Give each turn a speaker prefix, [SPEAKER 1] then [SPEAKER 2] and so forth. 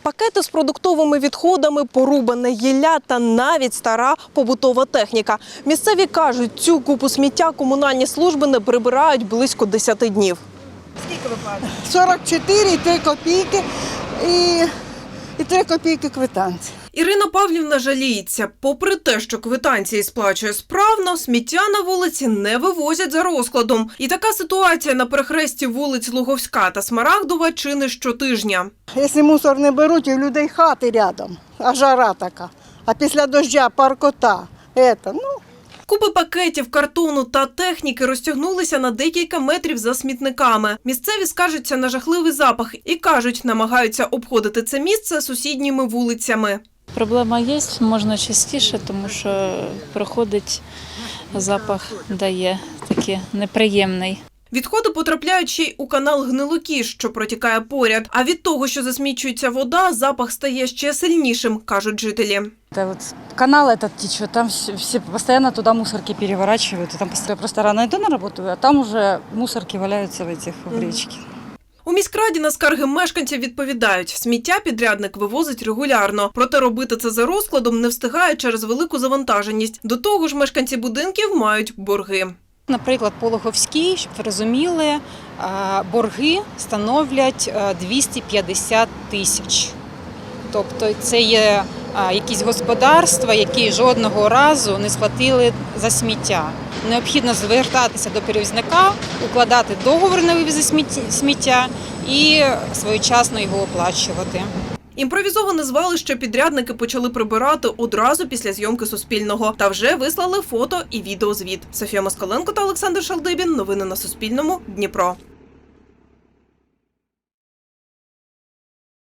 [SPEAKER 1] Пакети з продуктовими відходами, порубане гілля та навіть стара побутова техніка. Місцеві кажуть, цю купу сміття комунальні служби не прибирають близько 10 днів.
[SPEAKER 2] Скільки ви платите?
[SPEAKER 3] 44 і 3 копійки і 3 копійки квитанції.
[SPEAKER 1] Ірина Павлівна жаліється. Попри те, що квитанції сплачує справно, сміття на вулиці не вивозять за розкладом. І така ситуація на перехресті вулиць Луговська та Смарагдова чи не щотижня.
[SPEAKER 3] Якщо мусор не беруть, у людей хати рядом, а жара така. А після дощу паркота.
[SPEAKER 1] Купи пакетів, картону та техніки розтягнулися на декілька метрів за смітниками. Місцеві скаржаться на жахливий запах і кажуть, намагаються обходити це місце сусідніми вулицями.
[SPEAKER 4] Проблема є, можна частіше, тому що проходить запах, дає такий неприємний.
[SPEAKER 1] Відходи потрапляють ще й у канал Гнилокіш, що протікає поряд. А від того, що засмічується вода, запах стає ще сильнішим, кажуть жителі.
[SPEAKER 5] Канал этот течет, там все постоянно туда мусорки переворачивают. И там просто рано иду на работу, а там уже мусорки валяются в речке.
[SPEAKER 1] У міськраді на скарги мешканців відповідають, сміття підрядник вивозить регулярно. Проте робити це за розкладом не встигає через велику завантаженість. До того ж, мешканці будинків мають борги.
[SPEAKER 6] Наприклад, по Луговській, щоб ви розуміли, борги становлять 250 тисяч. Тобто це є якісь господарства, які жодного разу не сплатили за сміття. Необхідно звертатися до перевізника, укладати договір на вивіз сміття і своєчасно його оплачувати.
[SPEAKER 1] Імпровізоване звалище підрядники почали прибирати одразу після зйомки Суспільного. Та вже вислали фото і відеозвіт. Софія Москаленко та Олександр Шалдибін. Новини на Суспільному. Дніпро.